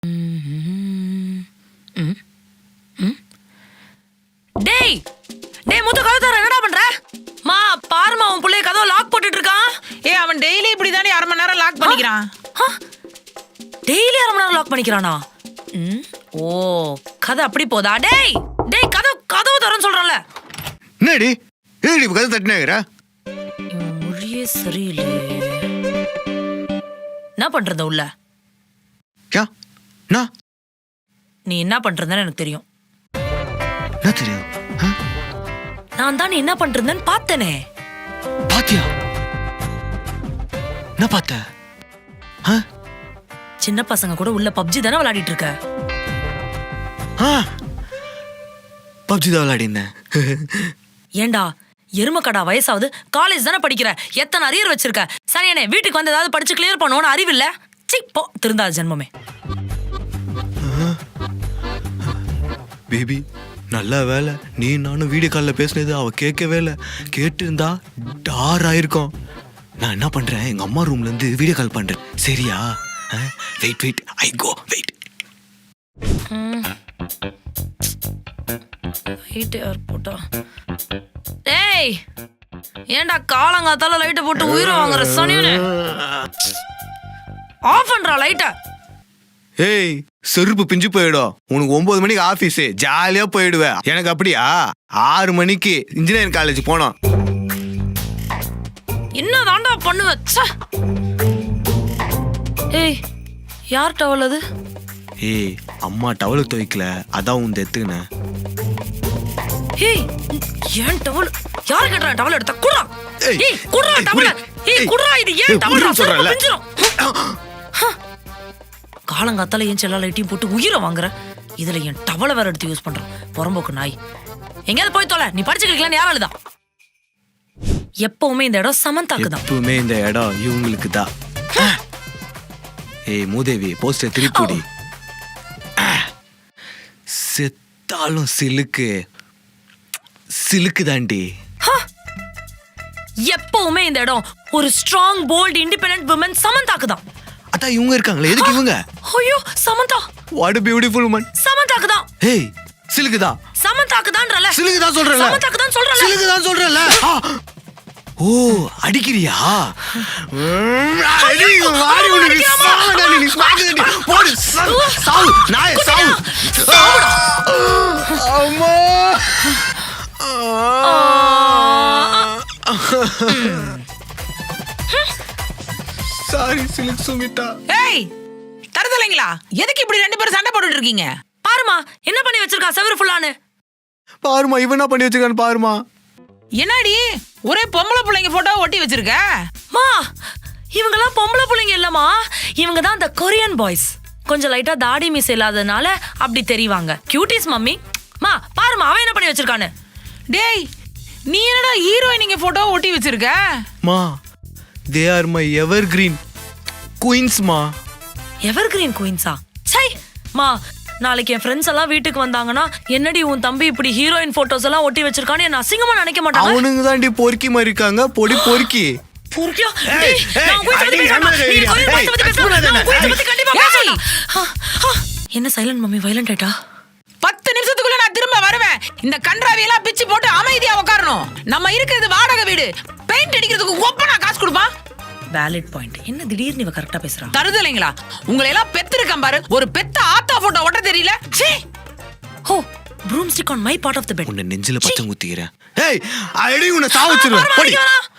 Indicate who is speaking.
Speaker 1: டேய் டேய் முத்து கதவு தர என்னடா பண்ற? மா பாருமா உன் புள்ளைய கதவு லாக் போட்டுட்டு இருக்கான்.
Speaker 2: அவன் டெய்லி இப்படி தானே 1/2 மணி நேரம் லாக் பண்ணிக்கிறான்.
Speaker 1: டெய்லி 1/2 மணி நேரம் லாக் பண்ணிக்கிறானா? ஓ கதை அப்படி போதா? டேய் டேய் கதவு தரன்னு சொல்றல.
Speaker 3: என்னடி ஏடி கதவு தட்டினேங்கற?
Speaker 1: மொழியே சரியில்லையே. என்ன பண்றத உள்ள?
Speaker 3: யா நான்
Speaker 1: நீ என்ன பண்றதுன்னு எனக்கு தெரியும்.
Speaker 3: என்ன தெரியும்?
Speaker 1: நான் தான் நீ என்ன பண்றதுன்னு பார்த்தனே.
Speaker 3: பாத்தியா? என்ன பார்த்த?
Speaker 1: சின்ன பசங்க கூட உள்ள பப்ஜி தானே விளையாடிட்டு இருக்க.
Speaker 3: பப்ஜி தான் விளையாடினேன்.
Speaker 1: ஏண்டா எருமக்கடா வயசாவது, காலேஜ் தானே படிக்கிற, எத்தனை அரியர் வச்சிருக்க? சரியானே வீட்டுக்கு வந்து ஏதாவது படிச்சு கிளியர் பண்ணுவோன்னு அறிவில்ல? சி போ திருந்தாத ஜென்மமே.
Speaker 3: பேபி நல்ல வேலை நீ நானும் வீடியோ காலில் பேசினது அவ கேட்கவே இல்லை. கேட்டிருந்தா டார் ஆயிருக்கும். நான் என்ன பண்றேன், எங்க அம்மா ரூம்ல இருந்து வீடியோ கால் பண்றேன். சரியா? Wait I go wait.
Speaker 1: போட்டா டேய் ஏண்டா காலங்காத்தால லைட்டை போட்டு உயிரை வாங்குற சனியனே? ஆஃப் பண்றா லைட்டை.
Speaker 3: ஏய் செருப்பு பிஞ்சு போயிடும். உனக்கு 9 மணிக்கு ஆபீஸ், ஜாலியா போயிடுவேன். எனக்கு அப்படியா? 6 மணிக்கு இன்ஜினியரிங் காலேஜ் போனோம்.
Speaker 1: என்ன தாண்டா பண்ணுவ? ஏய் யார் டவல் அது?
Speaker 3: ஏய் அம்மா டவல் துவைக்கல, அதான் உன் எத்துக்கினேன்.
Speaker 1: ஏய் ஏன் டவல்? யாரு கேட்டா டவல் எடுத்த? குடுறா. ஏய் குடுறா டவல். ஏய் குடுறா. இது ஏன் டவல் சொல்றல? காலங்காத்தால ஏன் செல்லா லைட்டையும் போட்டு உயிரை வாங்குற? இதுல என் டவலை வேற எடுத்து யூஸ் பண்றான் பொறம்போக்கு நாய். எங்கேயாவது போய் தொலை. நீ படிச்சுக்கலாம் யாராலுதா? எப்பவுமே இந்த இடம் சமந்தாக்கு தான்.
Speaker 3: எப்பவுமே இந்த இடம் இவங்களுக்கு தான். ஏய் மூதேவி போஸ்டர் திருப்பி செத்தாலும் சிலுக்கு தாண்டி.
Speaker 1: எப்பவுமே இந்த இடம் ஒரு ஸ்ட்ராங் போல்ட் இண்டிபெண்டன்ட் women சமந்தாக்கு தான்.
Speaker 3: அதான் இவங்க இருக்காங்களே, எதுக்கு இவங்க?
Speaker 1: ஐயோ Samantha,
Speaker 3: what a beautiful woman.
Speaker 1: சமந்தாக்கு தான்.
Speaker 3: ஏய் சிலுக்கு தான்.
Speaker 1: சமந்தாக்கு தான்றல.
Speaker 3: சிலுக்கு தான் சொல்றல.
Speaker 1: சமந்தாக்கு தான் சொல்றல.
Speaker 3: சிலுக்கு தான் சொல்றல. ஓ அடிக்கிறியா? அடி வாடி உனக்கு சாவடா. நீ ஸ்மாக்டடி போடு சாவு நாய் சாவு. அம்மா சாரி சிலுக்கு சுமிதா.
Speaker 2: ஏய் தரதலைங்களா, எதுக்கு இப்படி 2 பேரும் சண்டை போட்டுட்டு இருக்கீங்க?
Speaker 1: பாருமா என்ன பண்ணி வச்சிருக்கா செவரு ஃபுல்லானு.
Speaker 3: பாருமா இவன் என்ன பண்ணி வச்சிருக்கான்னு பாருமா.
Speaker 2: என்னடி ஒரே பொம்பளை பிள்ளைங்க போட்டோ ஒட்டி வச்சிருக்க?
Speaker 1: மா இவங்கெல்லாம் பொம்பளை பிள்ளைங்க இல்லம்மா, இவங்க தான் அந்த கொரியன் பாய்ஸ். கொஞ்சம் லைட்டா தாடி மீசை இல்லாதனால அப்படி தெரிவாங்க. Cuties mummy. மா பாருமா அவன் என்ன பண்ணி வச்சிருக்கானு.
Speaker 2: டேய் நீ என்னடா ஹீரோயினிங்க போட்டோ ஒட்டி வச்சிருக்க?
Speaker 3: மா they are my evergreen queens மா.
Speaker 1: எவர்கிரீன் குயின்ஸா? சை மா நாளைக்கு என் ஃப்ரெண்ட்ஸ் எல்லாம் வீட்டுக்கு வந்தாங்கன்னா என்னடி உன் தம்பி இப்படி ஹீரோயின் போட்டோஸ் எல்லாம் ஒட்டி வச்சிருக்கான்னு என்ன அசிங்கமா நினைக்க மாட்டாங்க?
Speaker 3: அவனுங்க தாண்டி பொறுக்கி மாதிரி இருக்காங்க. பொடி பொறுக்கி
Speaker 1: பொறுக்கியா? என்ன சைலண்ட் மம்மி வயலண்ட் ஆயிட்டா?
Speaker 2: 10 நிமிஷத்துக்குள்ள நான் திரும்ப வருவேன். இந்த கன்றாவி எல்லாம் பிச்சு போட்டு அமைதியா உட்காரணும். நம்ம இருக்கிறது வாடகை வீடு. பெயிண்ட் அடிக்கிறதுக்கு ஒப்பனா காசு கொடுப்பான்.
Speaker 1: Valid point. என்ன திடீர்னு இவ கரெக்ட்டா பேசுறா?
Speaker 2: தருதலைங்களா, உங்களை எல்லாம் பெத்திருக்கேன் பாரு. ஒரு பெத்த ஆத்தா போட்டோ ஒட்ட தெரியல. சீ.
Speaker 1: ஹோ broomstick on my part of the bed.
Speaker 3: உன்னை நெஞ்சில பச்சை குத்திக்கிறேன். ஏய் அடி உன்னை சாவச்சிருவேன். போடி.